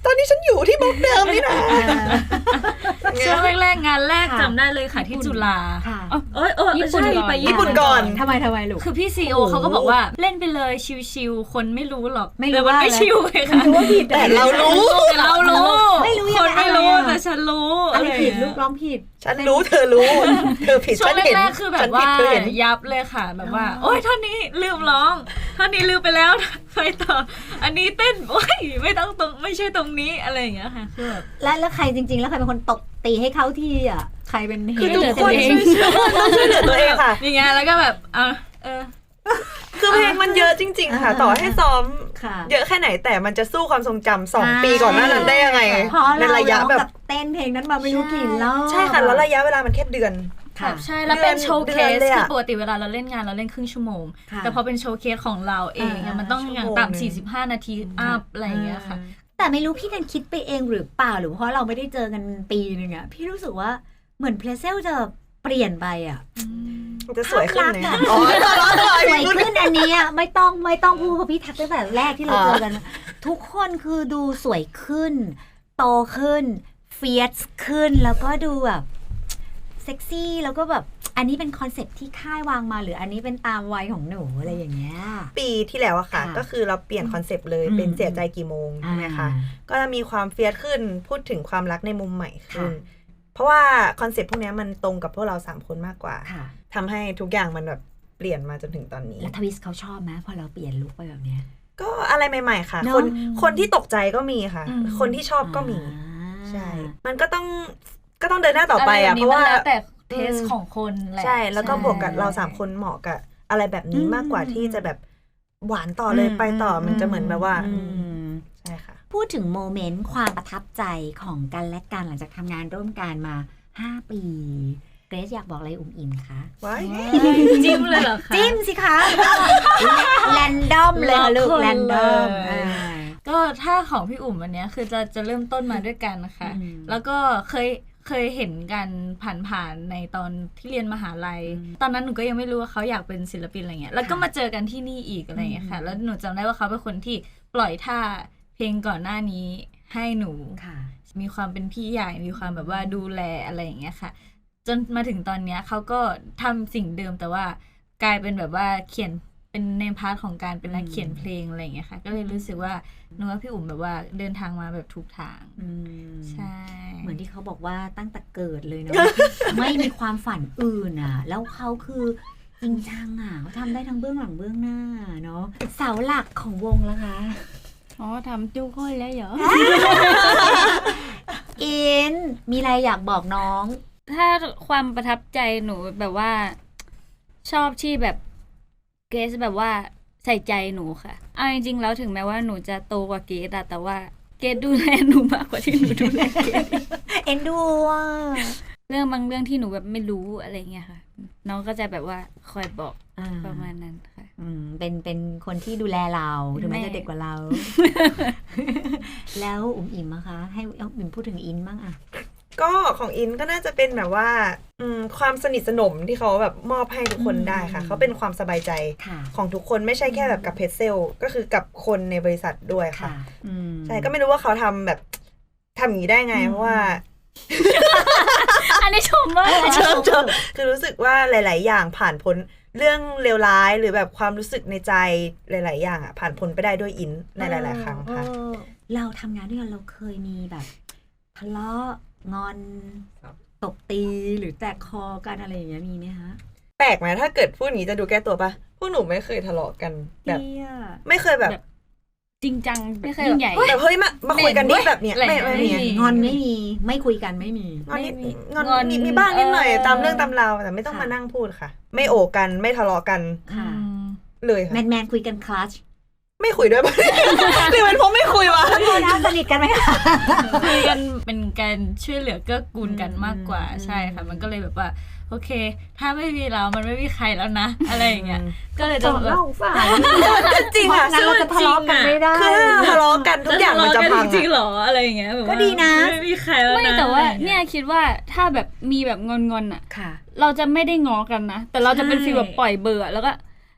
[SPEAKER 3] ตอนนี้ฉันอยู่ที่บล็อกเดิมนี่นะ
[SPEAKER 2] ช่วงแรกๆงานแรกจำได้เลยค่ะที่จุฬา
[SPEAKER 1] ค่ะ
[SPEAKER 2] ญี่ปุ่น
[SPEAKER 3] ใช่
[SPEAKER 2] ก่อน
[SPEAKER 3] ไปญี่ปุ่นก่อน
[SPEAKER 1] ทำไมลูก
[SPEAKER 2] คือพี่ซีโอเขาก็บอกว่าเล่นไปเลยชิวๆคนไม่รู้หรอก
[SPEAKER 1] ไม่รู้
[SPEAKER 2] แต่มันไม่
[SPEAKER 1] ว่าอะไร
[SPEAKER 2] ชิวเลยค่ะ
[SPEAKER 1] ว่าผิด
[SPEAKER 3] แต่เรารู้
[SPEAKER 2] แต่เรารู้
[SPEAKER 1] ไม่รู้
[SPEAKER 2] ค
[SPEAKER 1] ยัง
[SPEAKER 2] น
[SPEAKER 1] ไง
[SPEAKER 2] ไม่รู้
[SPEAKER 1] อะไรอะ
[SPEAKER 2] แต่ฉันรู้
[SPEAKER 1] อะไรผิด
[SPEAKER 2] ย่าง
[SPEAKER 1] ลู
[SPEAKER 2] เงี้ย
[SPEAKER 1] กร้องผิด
[SPEAKER 3] ฉันรู้เธอรู้เธอผิด
[SPEAKER 2] ช่ว
[SPEAKER 3] ฉั
[SPEAKER 2] ง
[SPEAKER 3] นเห็น
[SPEAKER 2] แรกๆคือแบบ
[SPEAKER 3] ฉันผิ
[SPEAKER 2] ว่า
[SPEAKER 3] ดเธอเห็น
[SPEAKER 2] ยับเลยค่ะแบบว่า โอ๊ยท่อนนี้ลืมร้องท่อนนี้ลืมไปแล้ว ไปต่อ อันนี้เต้นโอ๊ยไม่ต้องตรงไม่ใช่ตรงนี้อะไรอย่างเงี้ยค่ะคือแบบ
[SPEAKER 1] แล้วใครจริงๆ แล้วใครเป็นคนตบตีให้เข้าที่อ่ะใครเป็นเห
[SPEAKER 3] คือ
[SPEAKER 1] ตุ
[SPEAKER 3] ทุกคน
[SPEAKER 2] เอง
[SPEAKER 3] ช่วยเหลือตัวเองค่ะ
[SPEAKER 2] อย่างเงี้ยแล้วก็แบบ
[SPEAKER 3] คือเพลงมันเยอะจริงๆค่ะ ต่อให้ซ้อม
[SPEAKER 1] ค่ะ
[SPEAKER 3] เยอะแค่ไหนแต่มันจะสู้ความทรงจำ2 ปีก่อนหน้านั้นได้ยังไง
[SPEAKER 1] เพราะ
[SPEAKER 3] ใน
[SPEAKER 1] เรา
[SPEAKER 3] ระยะ
[SPEAKER 1] ร้อง
[SPEAKER 3] แบบ
[SPEAKER 1] กับเต้นเพลงนั้นมาไม่รู้กี่รอบ
[SPEAKER 3] ใช่ค่ะแล้วระยะเวลามันแค่เดือน
[SPEAKER 1] ค่ะ
[SPEAKER 2] ใช่แล้วเป็นโชว์เคส
[SPEAKER 3] เดือนเลยอะ
[SPEAKER 2] คือปกติเวลาเราเล่นงานเราเล่นครึ่งชั่วโมง
[SPEAKER 1] ค่ะ
[SPEAKER 2] แต่พอเป็นโชว์เคสของเราเองอะมันต้องอย่างต่ำ45 นาทีอัพอะไรอย่างเงี้ยค่ะ
[SPEAKER 1] แต่ไม่รู้พี่นันคิดไปเองหรือเปล่าหรือเพราะเราไม่ได้เจอกันปีนึงอะพี่รู้สึกว่าเหมือนเพลเซลจะเปลี่ยนไปอะ
[SPEAKER 3] มันจะสวยขึ้นไหม
[SPEAKER 1] ภาพลักษณ์อะ
[SPEAKER 3] อ๋อ
[SPEAKER 1] สวยขึ้นอันนี้อะไม่ต้องพูดเพราะพี่ทักตั้งแต่แรกที่เราเจอกัน ทุกคนคือดูสวยขึ้น โตขึ้นเฟียสขึ้นแล้วก็ดูแบบเซ็กซี่แล้วก็แบบอันนี้เป็นคอนเซ็ปต์ที่ค่ายวางมาหรืออันนี้เป็นตามวัยของหนูอะไรอย่างเงี้ย
[SPEAKER 3] ปีที่แล้วอะค่ะ
[SPEAKER 1] ค่ะ
[SPEAKER 3] ก็คือเราเปลี่ยนคอนเซปต์เลย
[SPEAKER 1] อืม
[SPEAKER 3] เป็นเสียใจกี่โมงใช่ไหมคะก็จะมีความเฟียสขึ้นพูดถึงความรักในมุมใหม่ขึ้น
[SPEAKER 1] ค่ะ
[SPEAKER 3] เพราะว่าคอนเซปต์พวกเนี้ยมันตรงกับพวกเรา3 คนมากกว่า
[SPEAKER 1] ค่ะ
[SPEAKER 3] ทำให้ทุกอย่างมันแบบเปลี่ยนมาจนถึงตอนนี้
[SPEAKER 1] แล้วทวิสเขาชอบไหมพอเราเปลี่ยนลุคไปแบบเนี้ย
[SPEAKER 3] ก็อะไรใหม่ๆค่ะ
[SPEAKER 1] เนอะ
[SPEAKER 3] คนที่ตกใจก็มีค่ะ
[SPEAKER 2] อืม
[SPEAKER 3] คนที่ชอบก็มี
[SPEAKER 1] อ่า
[SPEAKER 3] ใช่ มันก็ต้องเดินหน้าต่อไป
[SPEAKER 2] ไร
[SPEAKER 3] อะ
[SPEAKER 2] แบบ
[SPEAKER 3] เพ
[SPEAKER 2] นี้
[SPEAKER 3] ราะว่า
[SPEAKER 2] มันแล้วแต่เทสของคนแหละ
[SPEAKER 3] ใช่ แล้วก็บวกกับเรา3 คนเหมาะกับอะไรแบบนี้มากกว่าที่จะแบบหวานต่อเลยไปต่อมันจะเหมือนแบบว่า ใช่ค่ะ
[SPEAKER 1] พูดถึงโมเมนต์ความประทับใจของกันและกันหลังจากทำงานร่วมกันมา 5 ปีเกรซอยากบอกอะไรอุ่มอิ่มคะ
[SPEAKER 3] ว้าย
[SPEAKER 2] จิ้มเลยเหรอคะ
[SPEAKER 1] จิ้มสิคะแรนดอมเลยค่ะลูก
[SPEAKER 2] ล็อกคน
[SPEAKER 1] แรนดอม
[SPEAKER 2] เลย ก็ถ้าของพี่อุ่มอันเนี้ยคือจะเริ่มต้นมาด้วยกันนะคะ
[SPEAKER 1] อืม
[SPEAKER 2] แล้วก็เคยเห็นกันผ่านๆในตอนที่เรียนมหาลัย ตอนนั้นหนูก็ยังไม่รู้ว่าเขาอยากเป็นศิลปินอะไรเงี้ยแล้วก็มาเจอกันที่นี่อีกอะไรเงี้ยค่ะ แล้วหนูจำได้ว่าเขาเป็นคนที่ปล่อยท่าเพลงก่อนหน้านี้ให้หนู
[SPEAKER 1] ค่ะ
[SPEAKER 2] มีความเป็นพี่ใหญ่มีความแบบว่าดูแลอะไรอย่างเงี้ยค่ะ จนมาถึงตอนเนี้ยเขาก็ทำสิ่งเดิมแต่ว่ากลายเป็นแบบว่าเขียนเป็นในพาร์ทของการเป็นนักเขียนเพลงอะไรอย่างเงี้ยค่ะ ก็เลยรู้สึกว่าหนูว่าพี่อุ่มแบบว่าเดินทางมาแบบถูกทาง
[SPEAKER 1] อืม
[SPEAKER 2] ใช่
[SPEAKER 1] เหมือนที่เขาบอกว่าตั้งแต่เกิดเลยเนาะ ไม่มีความฝันอื่นอ่ะ แล้วเขาคือจริงจังอ่ะเขาทำได้ทั้งเบื้องหลังเบื้องหน้าเนาะเสาหลักของวงแล้วคะ
[SPEAKER 2] อ๋อทำจุ้ค่อยแล้วเหรอ
[SPEAKER 1] อินมีอะไรอยากบอกน้อง
[SPEAKER 2] ถ้าความประทับใจหนูแบบว่าชอบที่แบบเกสแบบว่าใส่ใจหนูค่ะเอาจริงๆแล้วถึงแม้ว่าหนูจะโตกว่าเกสอะแต่ว่าเกสดูแลหนูมากกว่าที่หนูดูแลเกส
[SPEAKER 1] เอ็นดูอ่ะ
[SPEAKER 2] เรื่องบางเรื่องที่หนูแบบไม่รู้อะไรเงี้ยค่ะ น้องก็จะแบบว่าคอยบอก
[SPEAKER 1] อ่า
[SPEAKER 2] ประมาณนั้นค่ะ
[SPEAKER 1] เป็นคนที่ดูแลเราถึงแม้
[SPEAKER 2] แม่
[SPEAKER 1] จะเด็กกว่าเรา แล้วอุ๋มอิ่มอะคะ ให้อุ๋มอิ่มพูดถึงอินบ้างอะ
[SPEAKER 3] ก็ของอินก็น่าจะเป็นแบบว่าความสนิทสนมที่เขาแบบมอบให้ทุกคนได้ค่ะ เขาเป็นความสบายใจ
[SPEAKER 1] ค่ะ
[SPEAKER 3] ของทุกคนไม่ใช่แค่แบบกับเพจเซลก็คือกับคนในบริษัทด้วยค่ะ
[SPEAKER 1] ค่ะอืม
[SPEAKER 3] ใช่ก็ไม่รู้ว่าเขาทำแบบทำอย่างนี้ได้ไง เพราะว่า
[SPEAKER 2] อันนี้ชมว่า
[SPEAKER 3] คือรู้สึกว่าหลาย ๆ อย่างผ่านพ้นเรื่องเลวร้ายหรือแบบความรู้สึกในใจหลาย ๆ อย่างอ่ะผ่านพ้นไปได้ด้วยอินในหลาย ๆ ครั้งค่ะ
[SPEAKER 1] เราทำงานด้วยกันเราเคยมีแบบทะเลาะงอนตบตีหรือแตกคอกันอะไรอย่างเงี้ยมีไหมคะ
[SPEAKER 3] แปลกไหมถ้าเกิดพูดอย่างนี้จะดูแก้ตัวปะพวกหนูไม่เคยทะเลาะกันแบบ
[SPEAKER 1] เหี้ย
[SPEAKER 3] ไม่เคยแบบ
[SPEAKER 2] จริงจังไม่เคยยิ่งใหญ่
[SPEAKER 3] แบบเฮ้ยมาคุยกันดิแบบเนี้ย
[SPEAKER 2] อะไร
[SPEAKER 3] ไม่
[SPEAKER 2] ไม่
[SPEAKER 3] มี
[SPEAKER 2] มี
[SPEAKER 1] งอนไม่มีไม่คุยกันไม่มี
[SPEAKER 3] งอนนิด
[SPEAKER 2] ไม่มี
[SPEAKER 3] งอน
[SPEAKER 2] งอน
[SPEAKER 3] มีบ้างนิดหน่อย
[SPEAKER 2] เออ
[SPEAKER 3] ตามเรื่องตามราวแต่ไม่ต้อง
[SPEAKER 1] ค่ะ
[SPEAKER 3] มานั่งพูดค่ะ ไม่โอกันไม่ทะเลาะกัน
[SPEAKER 1] ค่ะ
[SPEAKER 3] เลยค่ะ
[SPEAKER 1] แมนคุยกันคลัช
[SPEAKER 3] ไม่คุยด้วยปะ หรือเป็นเพราะไม่คุยวะ
[SPEAKER 1] โทษนะสนิทกันไหมคะ
[SPEAKER 2] คุยกันเป็นการช่วยเหลือเกื้อกูลกันมากกว่า
[SPEAKER 1] อืม
[SPEAKER 2] ใช่ค่ะ มันก็เลยแบบว่า โอเค ถ้าไม่มีเรามันไม่มีใครแล้วนะ อะไรอย่างเงี้ยก็เลยจะแบบ
[SPEAKER 3] จริงค่ะ
[SPEAKER 1] งั้นเราจะทะเลาะกันไม่ได้
[SPEAKER 3] คือถ้าทะเลาะกันทุกอย่างมันจะพัง
[SPEAKER 2] จริง
[SPEAKER 3] อะ
[SPEAKER 2] ๆหรออะไรอย่างเงี้ยแบบว่า
[SPEAKER 1] ก็ดีนะ
[SPEAKER 2] ไม่มีใครแล้วนะ
[SPEAKER 4] ไม่แต่ว่า
[SPEAKER 2] อะไรอาง
[SPEAKER 4] เนี่
[SPEAKER 2] งี้
[SPEAKER 4] ยคิดว่าถ้าแบบมีแบบงอนๆอ่ะ
[SPEAKER 1] ค่ะ
[SPEAKER 4] เราจะไม่ได้ง้อกันนะ แต่เราจะเป็น
[SPEAKER 1] ใช่
[SPEAKER 4] ฟีลแบบปล่อยเบอร์อะแล้วก็ ไป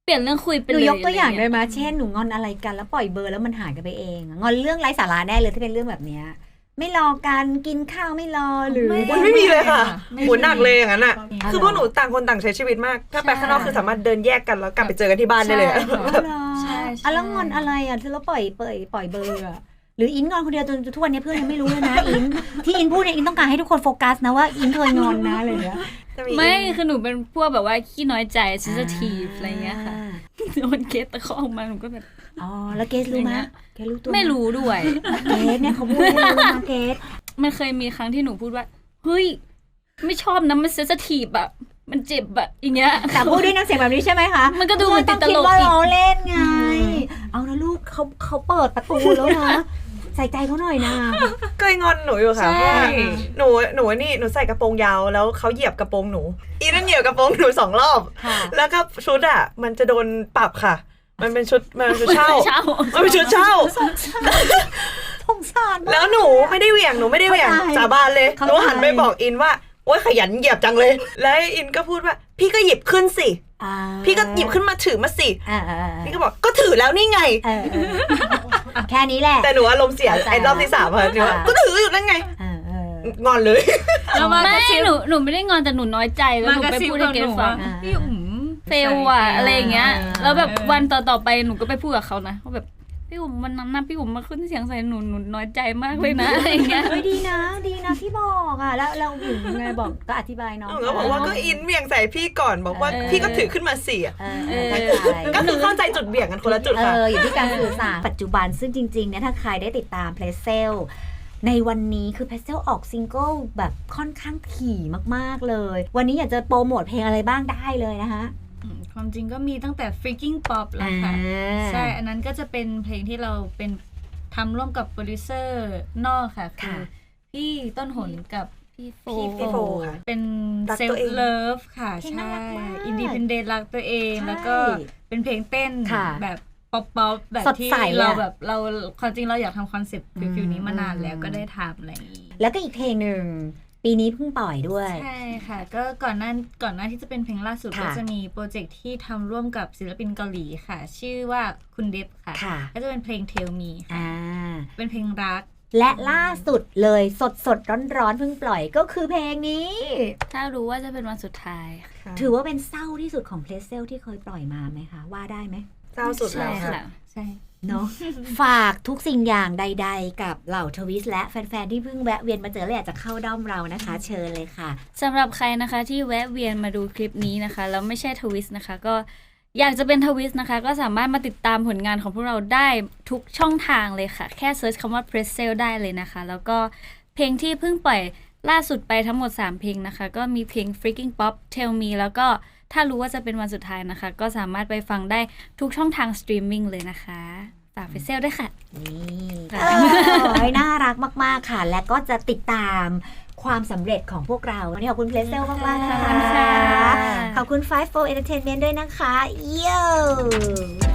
[SPEAKER 2] ลี่ยนเรื่องคุยไป
[SPEAKER 1] ห
[SPEAKER 2] เล
[SPEAKER 1] นู
[SPEAKER 2] ย
[SPEAKER 1] ยกตัวอย่าง
[SPEAKER 2] ะร
[SPEAKER 1] ได้ไหมเช่นหนูงอนอะไรกันแล้วปล่อยเบอร์แล้วมันหายกันไปเองงอนเรื่องไร้สาระแน่เลยที่เป็นเรื่องแบบเนี้ยไม่รอกันกินข้าวไม่รอหรือ
[SPEAKER 3] ไม่มีเลยค่ะ
[SPEAKER 2] ไม่
[SPEAKER 3] หมุนหนักเลยอย่างนั้นอ่ะ
[SPEAKER 1] อ๋อ
[SPEAKER 3] คือพวกหนูต่างคนต่างใช้ชีวิตมาก ถ้าไปข้างนอกคือสามารถเดินแยกกันแล้วกลับไปเจอกันที่บ้านได้เลยอะ
[SPEAKER 2] ใช่
[SPEAKER 1] อ่ะแล้วงอนอะไรอ่ะแล้วปล่อยเบอร์อ่ะหรืออินงอนคนเดียวจนทุกวันนี้เพื่อนยังไม่รู้เลยนะอินที่อินพูดเนี่ยอินต้องการให้ทุกคนโฟกัสนะว่าอินเคยงอนนะอะไรอย่างเงี้ย
[SPEAKER 2] ไม่คือหนูเป็นพวกแบบว่าขี้น้อยใจ sensitive อะไรเงี้ยค่ะโดนเกตตะคอกมาหนูก็แบบ
[SPEAKER 1] อ๋อแล้วเกสรู้ไหมเกสรู้ตัวห
[SPEAKER 2] ไม่รู้ด้วย
[SPEAKER 1] เกสเนี่ยเขาพูดให้รู้นะเกส
[SPEAKER 2] มันเคยมีครั้งที่หนูพูดว่าเฮ้ยไม่ชอบนะมัน sensitive อะมันเจ็บอะอย่างเงี้ย
[SPEAKER 1] แต่พูดด้วยน้ำเสียงแบบนี้ใช่ไหมคะ
[SPEAKER 2] มันก็ดูเหมือนติดตลก
[SPEAKER 1] ต้องคิดว่า
[SPEAKER 2] อีก
[SPEAKER 1] เราเล่นไงเอานะลูกเขาเปิดประตูแล้วนะใส่ใจเขาหน่อยนะ
[SPEAKER 3] เคยงอนหนูอยู่ค่ะ
[SPEAKER 2] ใช่
[SPEAKER 3] เพราะว่าหนูนี่หนูใส่กระโปรงยาวแล้วเขาเหยียบกระโปรงหนูอีนั่นเหยียบกระโปรงหนู2 รอบ
[SPEAKER 1] ค่ะ
[SPEAKER 3] แล้วก็ชุดอ่ะมันจะโดนปรับค่ะ มันเป็นชุดเช่า
[SPEAKER 2] เช่า
[SPEAKER 3] มันเป็นชุดเช่า
[SPEAKER 1] สงสารมาก
[SPEAKER 3] แล้วหนูไม่ได้เหวี่ยงสาบานเลย
[SPEAKER 1] เข้า
[SPEAKER 3] ห
[SPEAKER 1] ใจ
[SPEAKER 3] นูหันไปบอกอินว่าโอ๊ยขยันเหยียบจังเลย แล้วอินก็พูดว่าพี่ก็หยิบขึ้นสิ
[SPEAKER 1] อ่า
[SPEAKER 3] พี่ก็หยิบขึ้นมาถือมาสิ
[SPEAKER 1] อ่า
[SPEAKER 3] พี่ก็บอกก็ถือแล้วนี่ไง
[SPEAKER 1] แค่นี้แหละ
[SPEAKER 3] แต่หนูอารมณ์เสียไอ้รอบที่ 3ค่ะหนูว่าก็ถืออยู่นั่นไง งอนเลย
[SPEAKER 4] แล้วมาก
[SPEAKER 2] ไม่
[SPEAKER 4] ระซิบ
[SPEAKER 2] หนูไม่ได้งอนแต่หนูน้อยใจแล้ว
[SPEAKER 4] มา
[SPEAKER 2] หนู
[SPEAKER 4] กระ
[SPEAKER 2] ไป
[SPEAKER 4] ซิบ
[SPEAKER 2] พูด
[SPEAKER 4] กั
[SPEAKER 2] ให้
[SPEAKER 4] บ
[SPEAKER 2] เก
[SPEAKER 4] ห
[SPEAKER 2] ร
[SPEAKER 4] นู
[SPEAKER 2] ซฟั
[SPEAKER 4] ว่าง พี่อุ๋ม
[SPEAKER 2] เฟลว่ะอะไรอย่างเงี้ย แล้วแบบ
[SPEAKER 4] เออ
[SPEAKER 2] วันต่อไปหนูก็ไปพูดกับเขานะว่าแบบพี่อุ๋มวันนั้นนะพี่อุ๋มมาขึ้นเสียงใส่หนูน้อยใจมากเลยนะอะไรอย่างเงี้ย
[SPEAKER 1] เฮ้ยดีนะที่บอกอ่ะแล้วเราอยู่ไงบอกก็อธิบายน้อง
[SPEAKER 3] หนูก็บอกว่าก็อินเหวี่ยงใส่พี่ก่อนบอกว่า
[SPEAKER 2] เออ
[SPEAKER 3] พี่ก็ถือขึ้นมาสิอะ
[SPEAKER 1] เข้าใจ
[SPEAKER 3] ก็คือเข้าใจจุดเบี่ยงกันคนละจุดค่ะ
[SPEAKER 1] อยู่ที่การสื่อสารปัจจุบันซึ่งจริงๆเนี่ยถ้าใครได้ติดตามเพลเซลในวันนี้คือเพลเซลออกซิงเกิลแบบค่อนข้างถี่มากๆเลย วันนี้อยากจะโปรโมทเพลงอะไรบ้างได้เลยนะคะ
[SPEAKER 4] ความจริงก็มีตั้งแต่ freaking pop แล้วค่ะ ใช่ อันนั้นก็จะเป็นเพลงที่เราเป็นทำร่วมกับโปรดิวเซอร์นอกค่ะ คือพี่ต้นหนกับพี่โฟ
[SPEAKER 3] พี่โฟค่ะ
[SPEAKER 4] เป็น
[SPEAKER 3] รัก
[SPEAKER 4] เซล
[SPEAKER 3] ตัวเอง
[SPEAKER 4] ฟ์เลิฟค่ะ
[SPEAKER 1] เพลง
[SPEAKER 4] ใช่
[SPEAKER 1] น่ารักมาก
[SPEAKER 4] อินดีเพนเดนรักตัวเอง
[SPEAKER 1] ใช่
[SPEAKER 4] แล้วก็เป็นเพลงเต้น
[SPEAKER 1] ค่ะ
[SPEAKER 4] แบบป๊อปแบบ
[SPEAKER 1] สด
[SPEAKER 4] ที่
[SPEAKER 1] ใสอะ
[SPEAKER 4] เราแบบเราความจริงเราอยากทำคอนเซ็ปต์ฟิวนี้มานานแล้วก็ได้ทำอะไรอย่างนี้
[SPEAKER 1] แล้วก็อีกเพลงหนึ่งปีนี้เพิ่งปล่อยด้วย
[SPEAKER 4] ใช่ค่ะ ก็ก่อนหน้าที่จะเป็นเพลงล่าสุด
[SPEAKER 1] ค่ะ
[SPEAKER 4] ก็จะมีโปรเจกต์ที่ทำร่วมกับศิลปินเกาหลีค่ะ ชื่อว่าคุณเดฟค่ะ
[SPEAKER 1] ค่ะ
[SPEAKER 4] ก็จะเป็นเพลง Tell Me ค่ะ
[SPEAKER 1] อ่า
[SPEAKER 4] เป็นเพลงรัก
[SPEAKER 1] และล่าสุดเลยสดร้อนๆเพิ่งปล่อยก็คือเพลงนี้
[SPEAKER 2] ถ้ารู้ว่าจะเป็นวันสุดท้าย
[SPEAKER 1] ถือว่าเป็นเศร้าที่สุดของเพลเซลที่เคยปล่อยมาไหมคะ ว่าได้ไหม
[SPEAKER 3] เศร้าสุดแล้ว
[SPEAKER 2] ใช่
[SPEAKER 3] ค่ะ
[SPEAKER 2] ค่ะ
[SPEAKER 4] ใช่
[SPEAKER 1] เนาะ ฝากทุกสิ่งอย่างใดๆ กับเหล่าทวิสและแฟนๆ ที่เพิ่งแวะเวียนมาเจอและอยากจะเข้าด้อมเรานะคะ เชิญเลยค่ะ
[SPEAKER 2] สำหรับใครนะคะที่แวะเวียนมาดูคลิปนี้นะคะแล้วไม่ใช่ทวิสนะคะ ก็อยากจะเป็นทวิสนะคะ ก็สามารถมาติดตามผลงานของพวกเราได้ทุกช่องทางเลยค่ะ แค่เซิร์ชคำว่า Press Sale ได้เลยนะคะ แล้วก็เพลงที่เพิ่งปล่อยล่าสุดไปทั้งหมด 3 เพลงนะคะ ก็มีเพลง Freaking Pop Tell Me แล้วก็ถ้ารู้ว่าจะเป็นวันสุดท้ายนะคะ ก็สามารถไปฟังได้ทุกช่องทางสตรีมมิ่งเลยนะคะฝาก Press Sale ด้วยค่ะ
[SPEAKER 1] นี่น่ารักมากๆค่ะ และก็จะติดตามความสำเร็จของพวกเราวันนี้ขอบคุณเพลเซลมากๆนะ
[SPEAKER 2] ขอบคุณ
[SPEAKER 1] คะ
[SPEAKER 2] ค่ะ
[SPEAKER 1] ขอบคุณ Five for Entertainment ด้วยนะคะ เย้